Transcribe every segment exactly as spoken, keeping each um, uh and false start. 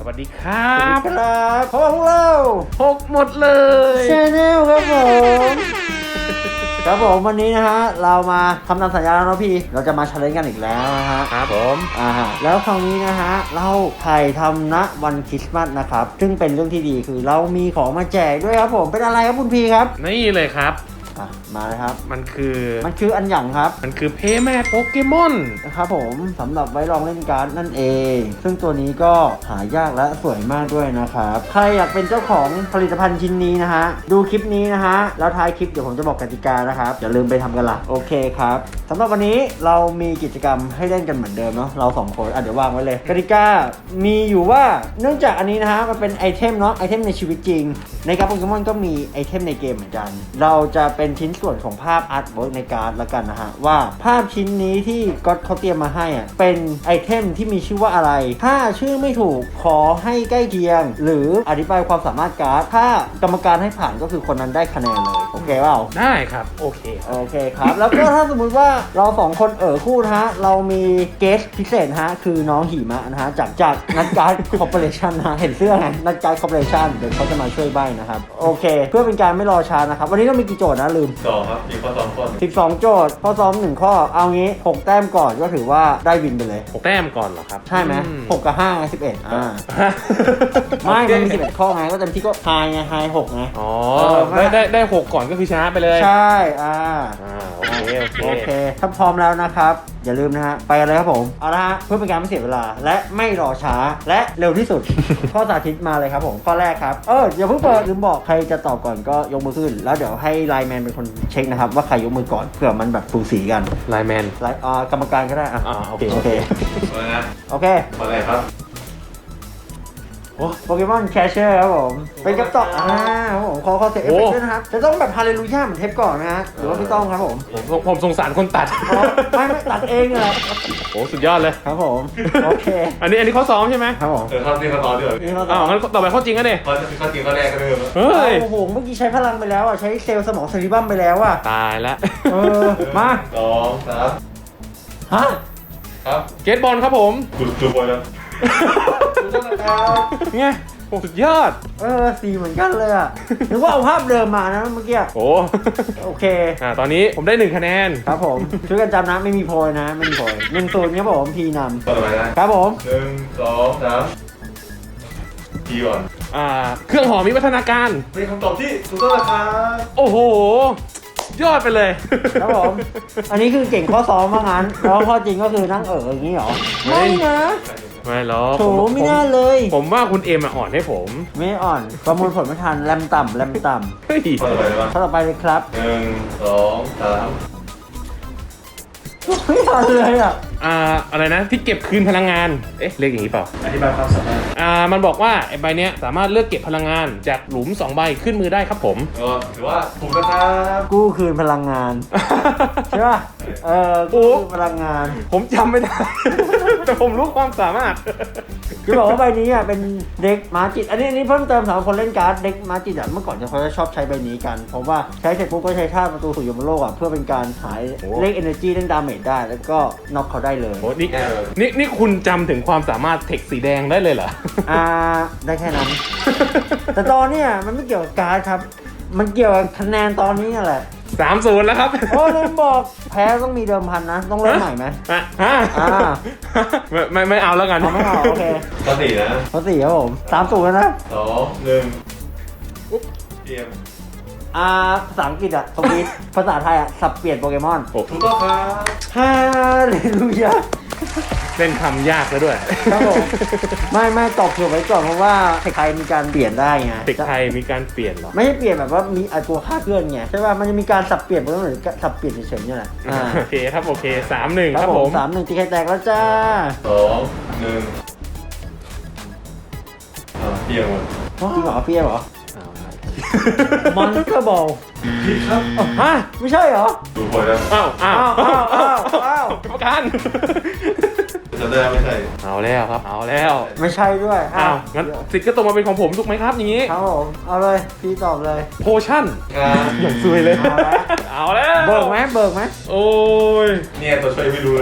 วัสดีครับครับเพราะว่าพวกเราหกหมดเลยชาแนลครับผมครับผมวันนี้นะฮะเรามาทำตามสัญญาแล้วเนาะพี่เราจะมาชาเลนจ์กันอีกแล้วนะฮะครับผมอ่าฮะแล้วคราวนี้นะฮะเราถ่ายทำณวันคริสต์มาสนะครับซึ่งเป็นเรื่องที่ดีคือเรามีของมาแจกด้วยครับผมเป็นอะไรครับคุณพีครับนี่เลยครับอ่ะมาเลยครับมันคือมันคืออันหยั่งครับมันคือเพย์แม่โปเกมอนนะครับผมสำหรับไว้ลองเล่นการ์ดนั่นเอง ซึ่งตัวนี้ก็หายากและสวยมากด้วยนะครับใครอยากเป็นเจ้าของผลิตภัณฑ์ชิ้นนี้นะฮะดูคลิปนี้นะฮะแล้วท้ายคลิปเดี๋ยวผมจะบอกกติกานะครับอย่าลืมไปทำกันละโอเคครับสำหรับวันนี้เรามีกิจกรรมให้เล่นกันเหมือนเดิมเนาะเราสองคนอ่ะเดี๋ยววางไว้เลยกติกามีอยู่ว่าเนื่องจากอันนี้นะฮะมันเป็นไอเทมเนาะไอเทมในชีวิตจริงในการ์ดโปเกมอนก็มีไอเทมในเกมเหมือนกันเราจะเป็นชิ้นส่วนของภาพอาร์ตเวิร์กในการ์ดละกันนะฮะว่าภาพชิ้นนี้ที่ก็อตเขาเตรียมมาให้อ่ะเป็นไอเทมที่มีชื่อว่าอะไรถ้าชื่อไม่ถูกขอให้ใกล้เคียง หรืออธิบายความสามารถการ์ดถ้ากรรมการให้ผ่านก็คือคนนั้นได้คะแนนเลยโอเคเปล่าได้ครับโอเคโอเคครับ แล้วก็ถ้าสมมุติว่าเราสองคนเอ่อคู่นะฮะเรามีเกสพิเศษนะฮะคือน้องหิมะนะฮะจากจากนัดการ์ดคอร์ปอเรชันนะฮะเห็นเสื้อไงนัดการ์ดคอร์ปอเรชันเดี๋ยวเขาจะมาช่วยใบ้นะครับโอเคเพื่อเป็นการไม่รอช้านะครับวันนี้ต้องมีกี่โจทย์นะลืมสองครับมีข้อสองข้อสิบสองโจทย์ข้อซ้อมหนึ่งข้อเอางี้หกแต้มก่อนก็ถือว่าได้วินไปเลยหกแต้มก่อนเหรอครับใช่ไหมอืหกกับห้าไงสิบเอ็ดอ่าไม่มันมีสิบเอ็ดข้อไงก็เต็มที่ก็ไฮไงไฮหกไงอ๋อเออได้ได้ได้หกก่อนก็คือชนะไปเลยใช่อ่าอ่าโอเคโอเคโอเค ถ้าพร้อมแล้วนะครับ อย่าลืมนะฮะ ไปกันเลยครับผม เอาละฮะ เพื่อเป็นการไม่เสียเวลา และไม่รอช้า และเร็วที่สุด ข้อสาธิตมาเลยครับผม ข้อแรกครับ เออ อย่าเพิ่งเปิดลืมบอกใครจะตอบก่อนก็ยกมือขึ้น แล้วเดี๋ยวให้ไลน์แมนเป็นคนเช็คนะครับ ว่าใครยกมือก่อน เผื่อมันแบบสูสีกันไลน์แมนไลน์อ่ากรรมการก็ได้อ่ะอ่าโอเคโอเคมานะโอเคข้อแรกครับโอ้โปเกมอนแคชเชอร์ครับผม เป็นคำตอบอ่าครับผมขอขอเสียงเอฟเฟกต์ด้วยนะครับ จะต้องแบบฮาเลลูยาเหมือนเทปก่อนนะฮะ หรือว่าไม่ต้องครับผมผมผมผมสงสารคนตัดอ๋อไม่ไม่ตัดเองเลยโอ้สุดยอดเลยครับผม โอเคอันนี้อันนี้ข้อซ้อมใช่ไหมครับผมเออข้อที่ข้อต่อเดือดนี่เราอ้าวงั้นต่อไปข้อจริงก็เนี่ยข้อที่ข้อจริงข้อแรกก็เริ่มเฮ้ยโอ้โห เมื่อกี้ใช้พลังไปแล้วอ่ะ ใช้เซลล์สมองเซริบัมไปแล้วอ่ะตายแล้วเออ มาสองสามฮะครับเกตบอลครับผมจุดจุดบอลแล้วถูกต้องนะครับไงโอ้สุดยอดเออสีเหมือนกันเลยอ่ะนึกว่าเอาภาพเดิมมานะเมื่อกี้โอ้โอเคอ่าตอนนี้ผมได้หนึ่งคะแนนครับผม ช่วยกันจำนะ ไม่มีโพยนะ ไม่มีโพยหนึ่งศูนย์ครับผมพีนข้อต่อไปนะำครับผมหนึ่งสองสามทีก่อนอ่าเครื่องหอมมีวัฒนาการเป็นคำตอบที่ถูกต้องนะครับโอ้โห ยอดไปเลยครับผม อันนี้คือเก่งข้อซ้อมว่างั้น แล้วข้อจริงก็คือนั่งเอออย่างนี้เหรอ ไม่นะไม่หรอกโถผมไม่น่าเลยผมว่าคุณเอ็มอะอ่อนให้ผมไม่อ่อน ประมวลผลไม่ทัน แรมต่ำแรมต่เฮ้ยข้อต่อไปเลยำข้อต่อไปเลยครับหนึ่งสองสามไม่ทันเลยอ่ะอ่าอะไรนะที่เก็บคืนพลังงาน เอ๊ะเรียกอย่างนี้เปล่าอธิบายความสามารถอ่ามันบอกว่าไอ้ใบเนี้ยสามารถเลือกเก็บพลังงานจากหลุมสองใบขึ้นมือได้ครับผมก็ถือว่าถูกนะครับกู้คืนพลังงาน ใช่ป่ะ เออโอ้กู้คืนพลังงานผมจำไม่ได้ แต่ผมรู้ความสามารถคือบอกว่าใบนี้อ่ะเป็นเด็กมาจิต อันนี้อันนี้เพิ่มเติมสำหรับคนเล่นการ์ดเด็กมาจิตอ่ะเมื่อก่อนจะเขาจะชอบใช้ใบนี้กัน เพราะว่าใช้เสร็จปุ๊บก็ใช้ท่าประตูสู่ยมโลกอ่ะเพื่อเป็นการหายโอ้เลข energy เล่นดาเมจได้ แล้วก็น็อกเขาได้เลยโอ้นี่นี่นี่คุณจำถึงความสามารถเทคสีแดงได้เลยเหรออ่าได้แค่นั้น แต่ตอนเนี้ยมันไม่เกี่ยวกับการ์ดครับ มันเกี่ยวกับคะแนนตอนนี้นั่นแหละสามศูนย์แล้วครับโอ้ลืมบอกแพ้ต้องมีเดิมพันนะ ต้องเริ่มใหม่ไหมอ่ะฮะอ่าไม่ไม่ไม่เอาแล้วกันเอาไม่เอาโอเคข้อสี่นะข้อสี่ครับผมสามศูนย์แล้วนะสองหนึ่งเตรียมอ่าภาษาอังกฤษอะสวีทภาษาไทยอะสับเปลี่ยนโปเกมอนโอ้ถูกต้องครับฮาเลลูยาเล่นคำยากแล้วด้วยครับผมไม่ไม่ตอบเผื่อไว้ก่อนเพราะว่าไทยมีการเปลี่ยนได้ไงเด็กไทยมีการเปลี่ยนเหรอไม่ใช่เปลี่ยนแบบว่ามีไอตัวค่าเคลื่อนไงใช่ป่ะมันจะมีการสับเปลี่ยนโปเกมอนหรือสับเปลี่ยนเฉยๆเนี่ยแหละอ่าโอเคครับโอเคสามหนึ่งครับผมสามหนึ่งตีไข่แตกแล้วจ้าสองหนึ่งอ่าเตรียมหมดจริงเหรอเปรี้ยวเหรอเอาละมอนสเตอร์บอลผิดครับฮะไม่ใช่เหรอดูผลแล้วอ้าวอ้าวอ้าวอ้าวอ้าวอ้าวกรรมการจะได้ไม่ใช่เอาแล้วครับ เอาแล้วไม่ใช่ด้วยอ้าวงั้นสิทธิ์ก็ตกมาเป็นของผมถูกไหมครับอย่างนี้ครับผมเอาเลยพี่ตอบเลยโพชั่นครับอย่างซวยเลยเอาละเอาแล้วเบิกไหมเบิกไหมโอ้ยเนี่ยตัวช่วยไม่รู้เลย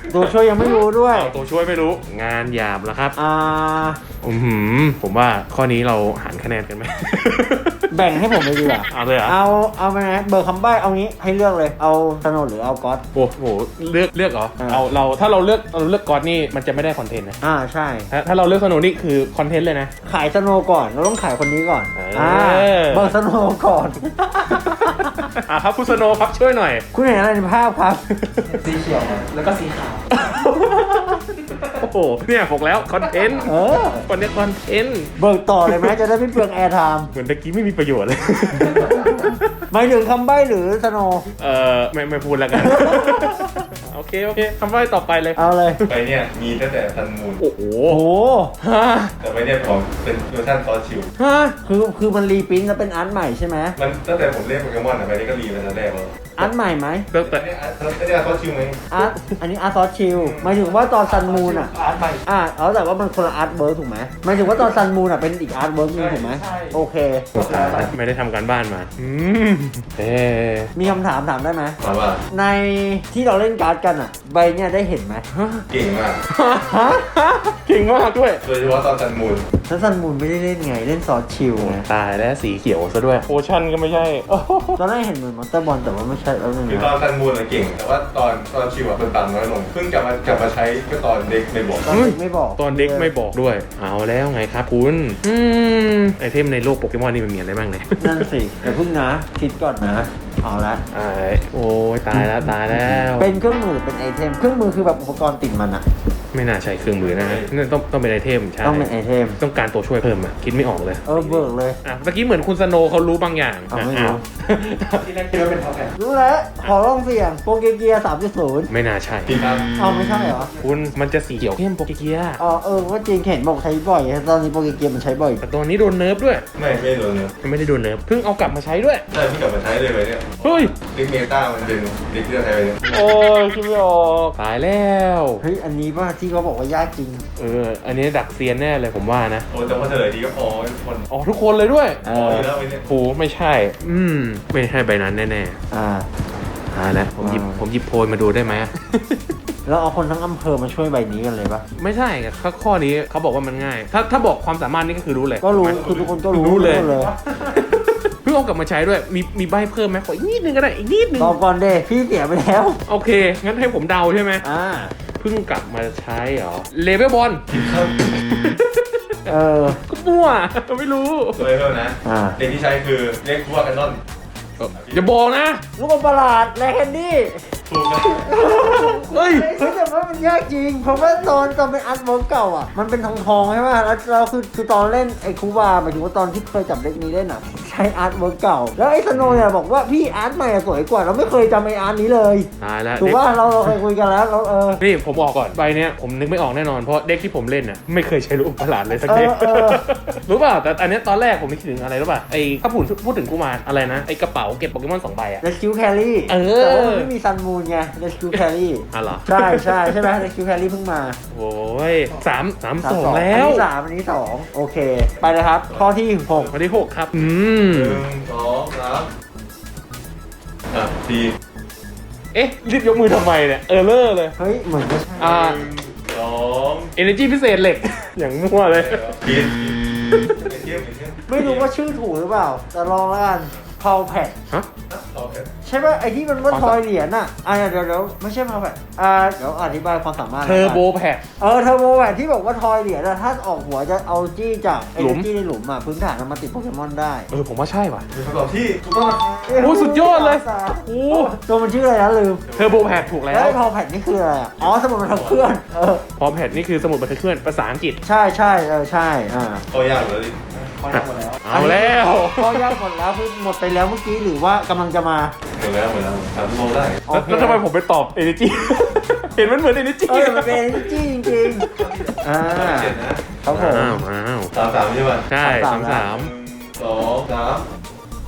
ตัวช่วยยังไม่รู้ด้วยเอาตัวช่วยไม่รู้งานหยาบแล้วครับอ่าอือหือผมว่าข้อนี้เราหารคะแนนกันไหมแบ่งให้ผมเลยดีกว่าเอาเลยเหรอเอาเอาไปนะเบอร์คำใบ้เอางี้ให้เลือกเลยเอาสโนว์หรือเอาก๊อตโอ้โหเลือกเลือกเหรออ่าเอาเราถ้าเราเลือกเราเลือกก๊อตนี่มันจะไม่ได้คอนเทนต์นะอ่าใช่ถ้าถ้าเราเลือกสโนว์นี่คือคอนเทนต์เลยนะขายสโนว์ก่อนเราต้องขายคนนี้ก่อนเอออ่อ่าเบอร์สโนว์ก่อนอ่ะครับคุณสโนว์ครับช่วยหน่อยคุณเห็นอะไรในภาพครับสีเขียวแล้วก็สีขาวโอ้โหเนี่ยบอกแล้วคอนเทนต์เออคนนี้คอนเทนต์เบิกต่อเลยไหมจะได้ไม่เปลืองแอร์ไทม์เหมือนตะกี้ไม่มีประโยชน์เลยหมายถึงคำใบ้หรือสโนว์เออไม่ไม่พูดแล้วกัน โอเคโอเคคำใบ้ต่อไปเลยเอาเลยใบเนี่ยมีตั้งแต่ซันมูนโอ้โหโอ้โหฮะแต่ใบเนี่ยของเป็นเวอร์ชันซอสชิลฮะคือคือมันรีปรินท์แล้วเป็นอาร์ตใหม่ใช่ไหมมันตั้งแต่ผมเล่นโปเกมอนอ่ะใบนี้ก็รีมาตั้งแต่แรกแล้วอาร์ตใหม่ไหมตั้งแต่แต่เนี่ยอาร์ตไม่ได้อาร์ตซอสชิลไหมอาร์ตอันนี้อาร์ตซอสชิลหมายถึงว่าตอนซันมูนอ่ะอาร์ตใหม่อ่าเอาแต่ว่ามันคนละอาร์ตเวิร์กถูกไหมหมายถึงว่าตอนซันมูนอ่ะเป็นอีกอาร์ตเวิร์กนึงถูกไหมใช่โอเคไม่ได้ทำการบ้านมาอืมเอ๊ะมีคำถามถามได้ไหมถามว่าในที่เราเล่นการ์ดกันอ่ะ ใบเนี่ยได้เห็นไหมเก่งมากฮะเก่งมากด้วยโดยเฉพาะตอนซันมูนแล้วซันมูนไม่ได้เล่นไงเล่นซอสชิลไงตายแล้วสีเขียวซะด้วยโอชั่นก็ไม่ใช่โอ้โหตอนแรกเห็นเหมือนมอนเตอร์บอลแต่ว่าไม่ใช่แล้วนึงคือตอนซันมูนอะเก่ง แต่ว่าตอนตอนชิลอะคนต่ำน้อยลงเพิ่งกลับมากลับมาใช้ก็ตอนเด็กไม่บอกตอนเด็กไม่บอกตอนเด็กไม่บอกด้วย เอาแล้วไงครับคุณอืมไอเทมในโลกโปเกมอนนี่มันมีอะไรบ้างเนี่ยนั่นสิแต่เพิ่งนะ คิดก่อนนะเอาละไอ้โอ้ยตายแล้วตายแล้วเป็นเครื่องมือหรือเป็นไอเทมเครื่องมือคือแบบอุปกรณ์ติดมันอะไม่น่าใช่เครื่องมือนะนั่นต้องต้องเป็นไอเทมใช่ต้องเป็นไอเทมต้องการตัวช่วยเพิ่มอ่ะคิดไม่ออกเลยเออเบิกเลยอ่ะเมื่อกี้เหมือนคุณสโนว์เขารู้บางอย่างเอาไม่รู้อ้าวที่แรกคิดว่าเป็นท็อปแอนรู้แล้วขอลองเสี่ยงโปเกเกียสามจุดศูนย์ไม่น่าใช่พี่ครับเอาไม่ใช่เหรอคุณมันจะสีเขียวเข้มโปเกเกียอ๋อเออว่าจริงเห็นบอกใช้บ่อยตอนนี้โปเกเกียมันใช้บ่อยแต่ตัวนี้โดนเนิร์ฟด้วยไม่ไม่โดนเลยมันไม่ได้โดนเนิร์ฟเพิ่งเอากลับมาใช้ด้วยใช่เพิ่งกลับมาใช้เลยใบเนี่ยเฮ้ยเด็กเมตามันเป็นเด็กที่เราใช้ไปเนี่ยโอ้ยคิดไม่ออกตายแล้วเฮ้ยอันนี้ว่าที่เขาบอกว่ายากจริงเอออันนี้ดักเซียนแน่เลยผมว่านะโอ้แต่ว่าเฉลยดีก็พอทุกคนอ๋อทุกคนเลยด้วยเอพอออยู่แล้วใบเนี่ยโหไม่ใช่ อืมไม่ใช่ใบนั้นแน่อ่าๆอ่าแล้วผมหยิบว้าวผมหยิบโพยมาดูได้ไหมแล้วเอาคนทั้งอำเภอมาช่วยใบนี้กันเลยปะไม่ใช่ข้อข้อนี้เขาบอกว่ามันง่าย ถ้าถ้าบอกความสามารถนี่ก็คือรู้เลยก็รู้ถูไหมคือทุกคนก็รู้รู้เลยทุกคนเลยเพิ่งเอากลับมาใช้ด้วย มีมีใบเพิ่มไหมขออีกนิดนึงก็ได้อีกนิดนึงตอบก่อนเดพี่เสียไปแล้วโอเค งั้นให้ผมเดาใช่ไหมอ่าเพิ่งกลับมาใช้เหรอเลเวลบอลครับเออก็มั่วไม่รู้ตัวเพิ่มนะอ่าเด็กที่ใช้คือเรียกว่ากันนอนอย่าบอกนะลูกบอลประหลาดแลแคนดี้ถูกนะเฮ้ยเฮ้ยแต่ว่ามันยากจริง เพราะว่าตอนตอนเป็นอาร์ตเวิร์กเก่าอ่ะ มันเป็นทองทองๆใช่ไหมแล้วเราคือคือตอนเล่นไอ้คูบาหมายถึงว่าตอนที่เคยจับเด็กนี้เล่นอ่ะ ใช้อาร์ตเวิร์กเก่า แล้วไอ้สโนว์เนี่ยบอกว่าพี่อาร์ตใหม่อะสวยกว่า เราไม่เคยจำไอ้อาร์ตนี้เลยตายแล้วถูกเด็กว่าเราเราเคยคุยกันแล้วเราเออนี่ผมบอกก่อนใบเนี้ยผมนึกไม่ออกแน่นอน เพราะเด็กที่ผมเล่นน่ะไม่เคยใช้ลูกประหลาดเลยสักเด็กเออเออรู้เปล่าแต่อันเนี้ยตอนแรกผมนึกถึงอะไรรู้ป่ะไอ้ถ้าพูดพูดถึงกูมารอะไรนะไอ้กระเป๋าเก็บโปเกมอนสองใบอะเรสคิวแครี่เออแต่ว่ามันไม่มีซันมูนไงเรสคิวแครี่อ่ะเหรอใช่ใช่ใช่ไหมเรสคิวแครี่เพิ่งมาโอ้ยสามสามสามสองสองแล้อันวนี้สามอันนี้สองโอเค ไปเลยครับ ข้อที่หกข้อที่หกครับ อืมหนึ่งสองสามอ่ะสี่เอ๊ะรีบยกมือทำไมเนี่ยเออเลอร์เลยเฮ้ย เหมือนไม่ใช่อ่าหนึ่งสอง energy พิเศษเหล็ก อย่างมั่วเลยผิดไปเที่ยวไปเที่ยวไม่รู้ว่าชื่อถูกหรือเปล่า แต่ลองแล้วกันพาวแพดฮะโอเคใช่ป่ะไอที่มันว่าทอยเหรียญน่ะอ่าเดี๋ยวเดี๋ยวไม่ใช่พาวแพดอ่าเดี๋ยวอธิบายความสามารถเทอร์โบแพดเออเทอร์โบแพดที่บอกว่าทอยเหรียญน่ะถ้าออกหัวจะเอาจี้จากไอ้หลุมจี้ในหลุมอ่ะพื้นฐานมันมาติดโปเกมอนได้เออผมว่าใช่ว่ะเป็นคำตอบที่ถูกต้องนะครับโอ้สุดยอดเลยโอ้ตัวมันชื่ออะไรนะลืมเทอร์โบแพดถูกแล้แล้ววไอ้พาวแพดนี่คืออะไรอ่ะอ๋อสมุดบันทึกเคลื่อนเออพอแพดนี่คือสมุดบันทึกเคลื่อนภาษาอังกฤษใช่ใช่เออใช่อ่าตัวยากเลยดิพอได้หมดแล้วเอาแล้วข้อยากหมดแล้วคือหมดไปแล้วเมื่อกี้หรือว่ากำลังจะมาหมดแล้วหมดแล้วสามชั่วโมงได้โอเคแล้วทำไมผมไปตอบ energy เห็นมันเหมือน energy เออมันเป็นจี้จริงๆอ่าเจ็ดนะครับผมอ้าวอ้าวสามสามใช่ป่ะใช่สาสาม มสาสาม มสองสามเ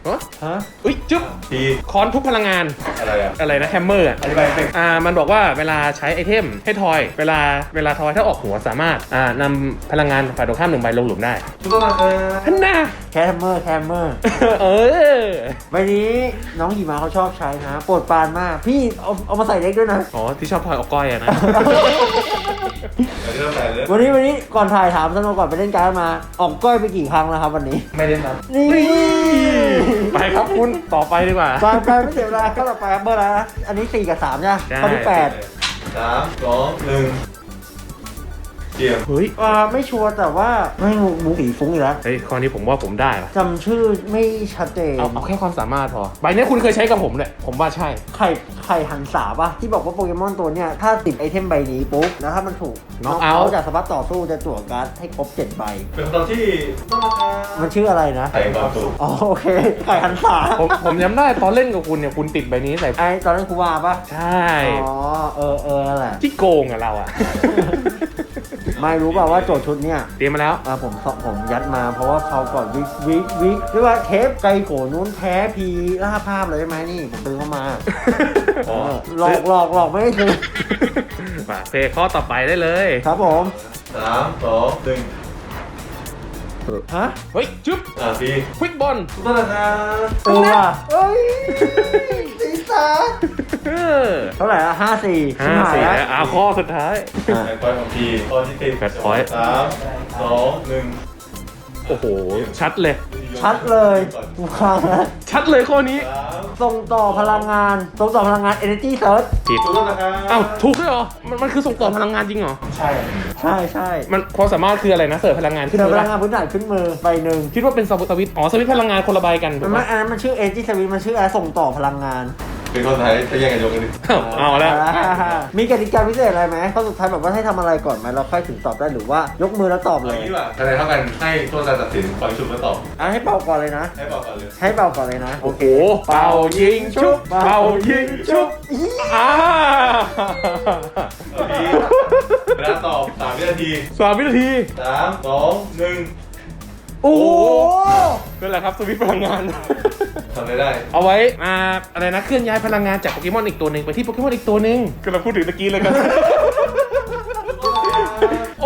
ฮะฮะอุ้ยจึ๊บทีคอนทุกพลังงานอะไรอ่ะอะไรนะแฮมเมอร์อธิบายเป็นอ่ามันบอกว่าเวลาใช้ไอเทมให้ทอยเวลาเวลาทอยถ้าออกหัวสามารถอ่านำพลังงานฝ่ายตรงข้ามหนึ่งใบลงหลุมได้ทุกคนมาเออฮันน่าแคมเมอร์แคมเมอร์เออใบนี้น้องหิมะเขาชอบใช้นะโปรดปรานมาก พี่เอาเอามาใส่เล็กด้วยนะอ๋อที่ชอบทอยออกก้อยอะนะเดี๋ยวเริ่มแต่เลยวันนี้วันนี้ก่อนถ่ายถามสนุกก่อนไปเล่นการ์ดมา ออกก้อยไปกี่ครั้งแล้วครับวันนี้ไม่ได้นับนี่ไปครับคุณต่อไปดีกว่าไปไปไม่เสียเวลาก็ต่อไปครับเบอร์อะไรนะอันนี้สี่กับสามใช่ไหมใช่ข้อที่แปดสามสองหนึ่งเตรียมเฮ้ยอ่าไม่ชัวร์แต่ว่าไม่งูหมูสีฟุ้งอีกแล้วเฮ้ยข้อนี้ผมว่าผมได้ปะจำชื่อไม่ชัดเจนเอาเอาแค่ความสามารถพอใบเนี้ยคุณเคยใช้กับผมเลยผมว่าใช่ไข่ไข่หันษาปะที่บอกว่าโปเกมอนตัวเนี้ยถ้าติดไอเทมใบนี้ปุ๊บแล้วถ้ามันถูก knock out จากสปัตต่อสู้จะจั่วการ์ดให้ครบเจ็ดใบเป็นคำตอบที่ต้องราคามันชื่ออะไรนะใส่ความสุขอ๋อโอเค ไข่หันษาผมผมจำได้ตอนเล่นกับคุณเนี่ยคุณติดใบนี้ใส่ไอตอนนั้นครูวาปะใช่อ๋อเออเออนั่นแหละที่โกงอะเราอะไม่รู้เปล่าว่าโจทย์ชุดเนี้ยเตรียมมาแล้วอ่าผมผมยัดมาเพราะว่าเขาวก่อนวิกวิกวิกเรียกว่าเทปไกโกนู้นแพ้พีล่าภาพเลยใช่ไหมนี่ผมซื้อเข้ามาอ๋อเออหลอกหลอกหลอกไม่ได้ซื้อมาเพย์ข้อต่อไปได้เลยครับผมสามสองหนึ่งฮะเฮ้ยจุ๊บอ่ะพี่ควิกบอลต้องราคาเออว่ะเอ้ยสีสันเออเท่าไหร่ละห้าสี่ห้าสี่แล้วอ่าข้อสุดท้ายอ่ะแปดพอยต์ของพี่ข้อที่สิบแปด point สามสองหนึ่งโอ้โห ชัดเลยชัดเลยกูฟังแล้วชัดเลยข้อนี้สามส่งต่อพลังงานส่งต่อพลังงาน energy search ผิดต้องราคาอ้าวถูกด้วยเหรอ มันมันคือส่งต่อพลังงานจริงเหรอใช่ใช่ใช่มันความสามารถคืออะไรนะ เสิร์ฟพลังงานขึ้นเจอมืพอลัปะงงานพื้นฐานขึ้นมือใบหนึ่งคิดว่าเป็นสวิตช์อ๋อสวิตช์พลังงานคนละใบกันถูมักนไม่ปะอันนั้นมันชื่อ energy search มันชื่ออะไรส่งต่อพลังงานเป็นคนไทยจะแย่งกันยกกันดิอ้าวเอาแล้วอ่ามีกติกาพิเศษอะไรไหมข้อสุดท้ายแบบว่าให้ทำอะไรก่อนไหมเราค่อยถึงตอบได้หรือว่ายกมือแล้วตอบเอาเลอย ย่างนี้ดีกว่าคะแนนเท่ากันให้โทษการตัดสินฟังชุดมาตอบอ่ะให้เป่าก่อนเลยนะให้บอกก่อนเลยให้เป่าก่อนเลยนะโอ้โห เป่ายิงชุบ เป่ายิงชุบอ่าเอาพี่เวลาตอบสามวินาทีสามวินาทีสามสองหนึ่งโอ้โหนั่นแหละครับสวิตช์พลังงานทำอะไรได้เอาไว้มาอะไรนะเคลื่อนย้ายพลังงานจากโปเกมอนอีกตัวหนึ่งไปที่โปเกมอนอีกตัวหนึ่งก็เราพูดถึงตะกี้เลยกัน โอ้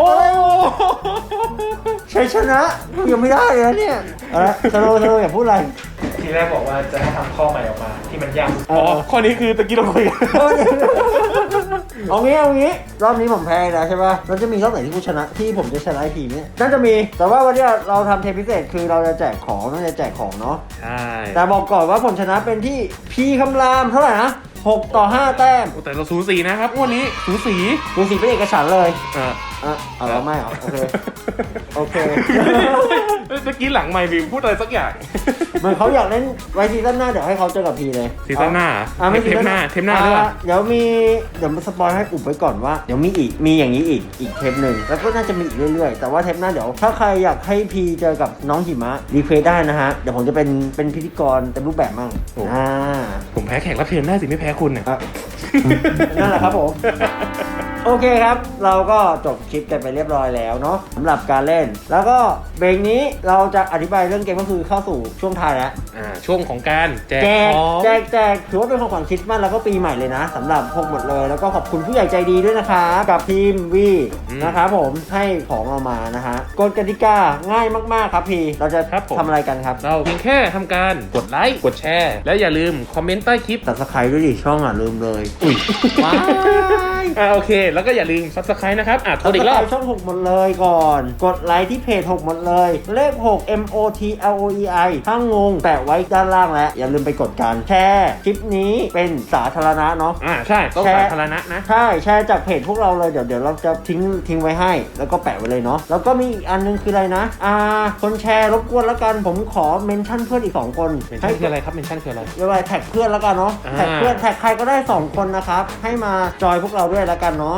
ชัยชนะยังไม่ได้เลยนะเนี่ยเอาละสโลว์สโลว์อย่าพูดอะไรทีแรกบอกว่าจะให้ทำข้อใหม่ออกมาที่มันยากอ๋อข้อนี้คือตะกี้เราคุยกันเอางี้เอางี้รอบนี้ผมแพ้แล้วใช่ป่ะแล้วจะมีรอบไหนที่กูชนะที่ผมจะชนะไอทีมเนี่ยน่าจะมีแต่ว่าวันนี้เราทำเทปพิเศษคือเราจะแจกของน่าจะแจกของเนาะใช่แต่บอกก่อนว่าผลชนะเป็นที่พีคำรามเท่าไหร่นะหกต่อห้าแต้มโอ้แต่เราสูสีนะครับงวันนี้สูสีดูสิเป็นเอกฉันท์เลยอ่าอ่ะเอาแล้วไม่เหรอโอเคโอเคเมื่อกี้หลังไมค์มีพูดอะไรสักอย่างเหมือนเขาอยากเล่นไว้ซีซั่นหน้าเดี๋ยวให้เขาเจอกับพีเลยซีซั่นหน้าเหรออ่ะไม่เทปหน้าเทปหน้าอ่ะด้วยเดี๋ยวมีเดี๋ยวมาสปอยให้อุบไว้ก่อนว่าเดี๋ยวมีอีกมีอย่างนี้อีกอีกเทปหนึ่งแล้วก็น่าจะมีอีกเรื่อยๆ แต่ว่าเทปหน้าเดี๋ยวถ้าใครอยากให้พีเจอกับน้องหิมะรีเควสได้นะฮะเดี๋ยวผมจะเป็นเป็นพิธีกรเต็มรูปแบบมั่งอ่าผมแพ้แขกรับเชิญได้สิไม่แพ้คุณเนี่ยอ่ะ นั่นแหละครับผม โอเคครับ เราก็จบคลิปกันไปเรียบร้อยแล้วเนาะสำหรับการเล่น แล้วก็เบรกนี้เราจะอธิบายเรื่องเกมก็คือเข้าสู่ช่วงท้ายแล้วอ่าช่วงของการแจกแจกของแจกแจกถือว่าเป็นของขวัญคริสต์มาสแล้วก็ปีใหม่เลยนะสำหรับพวกหมดเลย แล้วก็ขอบคุณผู้ใหญ่ใจดีด้วยนะคะกับทีมวีนะครับผมให้ของเรามานะฮะกฎกติกาง่ายมากๆครับพี่เราจะทำอะไรกันครับเราเพียงแค่ทำการกดไลค์กดแชร์ แล้วอย่าลืมคอมเมนต์ใต้คลิปตัดสไครด้วยดิช่องอ่ะลืมเลยอุ้ยว้ายอ่าโอเค แล้วก็อย่าลืม subscribe นะครับอ่ะทวนอีกรอบช่องหกหมดเลยก่อน กดไลค์ที่เพจหกหมดเลย เลขหก M O T L O E I ถ้างงแปะไว้ด้านล่างแล้ว อย่าลืมไปกดกันแชร์คลิปนี้เป็นสาธารณะเนาะอ่าใช่ต้องแชร์สาธารณะนะใช่แชร์จากเพจพวกเราเลยเดี๋ยวเดี๋ยวเราจะทิ้งทิ้งไว้ให้ แล้วก็แปะไว้เลยเนาะแล้วก็มีอีกอันนึงคืออะไรนะ อ่า คนแชร์รบกวนแล้วกันผมขอเมนชั่นเพื่อนอีกสองคนเมนชั่นคืออะไรครับเมนชั่นคืออะไรเรียกว่าแท็กเพื่อนแล้วกันเนาะอ่าแท็กเพื่อนแท็กใครก็ได้สองคนนะครับให้มาจอยพวกเราด้วยแล้วกันเนาะ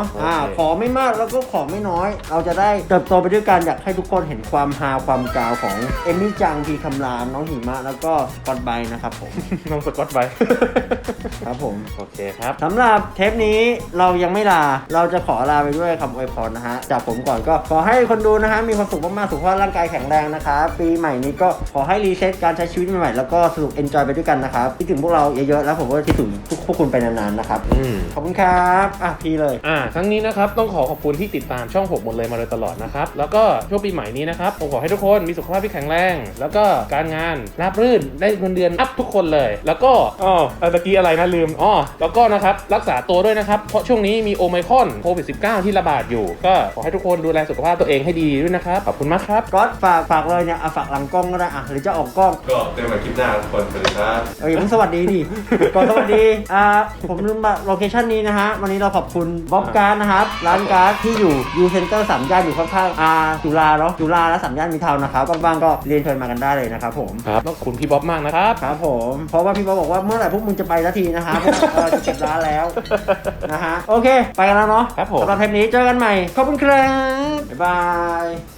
อ่าโอเคขอไม่มากแล้วก็ขอไม่น้อย เราจะได้เติบโตไปด้วยกันอยากให้ทุกคนเห็นความฮาความกาวของเอมมี่จังพีคำรามน้องหิมะแล้วก็กอดไบนะครับผมน้องสกอตไว้ครับผมโอเคครับสำหรับเทปนี้เรายังไม่ลา เราจะขอลาไปด้วยคำอวยพรนะฮะ จากผมก่อนก็ขอให้คนดูนะฮะ มีความสุขมากๆ สุขภาพร่างกายแข็งแรงนะครับ ปีใหม่นี้ก็ขอให้รีเซ็ตการใช้ชีวิตใหม่ๆ แล้วก็สนุกเอนจอยไปด้วยกันนะครับคิดถึงพวกเราเยอะๆ แล้วผมก็คิดถึงทุกพวกคุณไปนานๆ นะครับอืมขอบคุณครับ อ่ะ พี่เลยอ่าทั้งนี้นะครับต้องขอขอบคุณที่ติดตามช่องหกหมดเลยมาโดยตลอดนะครับแล้วก็ช่วงปีใหม่นี้นะครับผมขอให้ทุกคนมีสุขภาพที่แข็งแรง แล้วก็การงานราบรื่นได้เงินเดือนอัพทุกคนเลย แล้วก็อ๋อเอ่อตะกี้อะไรนะลืมอ๋อแล้วก็นะครับรักษาตัวด้วยนะครับเพราะช่วงนี้มีโอไมครอนโควิด สิบเก้า ที่ระบาดอยู่ ก็ขอให้ทุกคนดูแลสุขภาพตัวเองให้ดีด้วยนะครับขอบคุณมากครับก๊อตฝากฝากเลยเนี่ยอ่ะฝากหลังกล้องก็ได้อ่ะหรือจะออกกล้องก็เจอกันคลิปหน้าทุกคนสวัสดีครับเอออย่าเพิ่งสวัสดีดิ ก่อนสวัสดี อ่า ผมลืมมาโลเคชั่นนี้นะฮะ วันนี้เราขอบคุณบ๊อบการ์ดนะครับ ร้านการ์ดที่อยู่ยูเซ็นเตอร์สามย่านอยู่ข้างๆ อ่า จุฬาเนาะ จุฬาและสามย่านมิตรทาวน์นะครับบ้างๆก็เรียนเชิญมากันได้เลยนะครับผมครับต้องขอบคุณพี่บ๊อบมากนะครับครับผม เพราะว่าพี่บ๊อบบอกว่าเมื่อไหร่พวกมึงจะไปสักทีนะฮะพวกเราจะเก็บร้านแล้ว นะฮะ โอเค ไปกันแล้วเนาะครับผมสำหรับเทปนี้เจอกันใหม่ ขอบคุณครับ บ๊ายบาย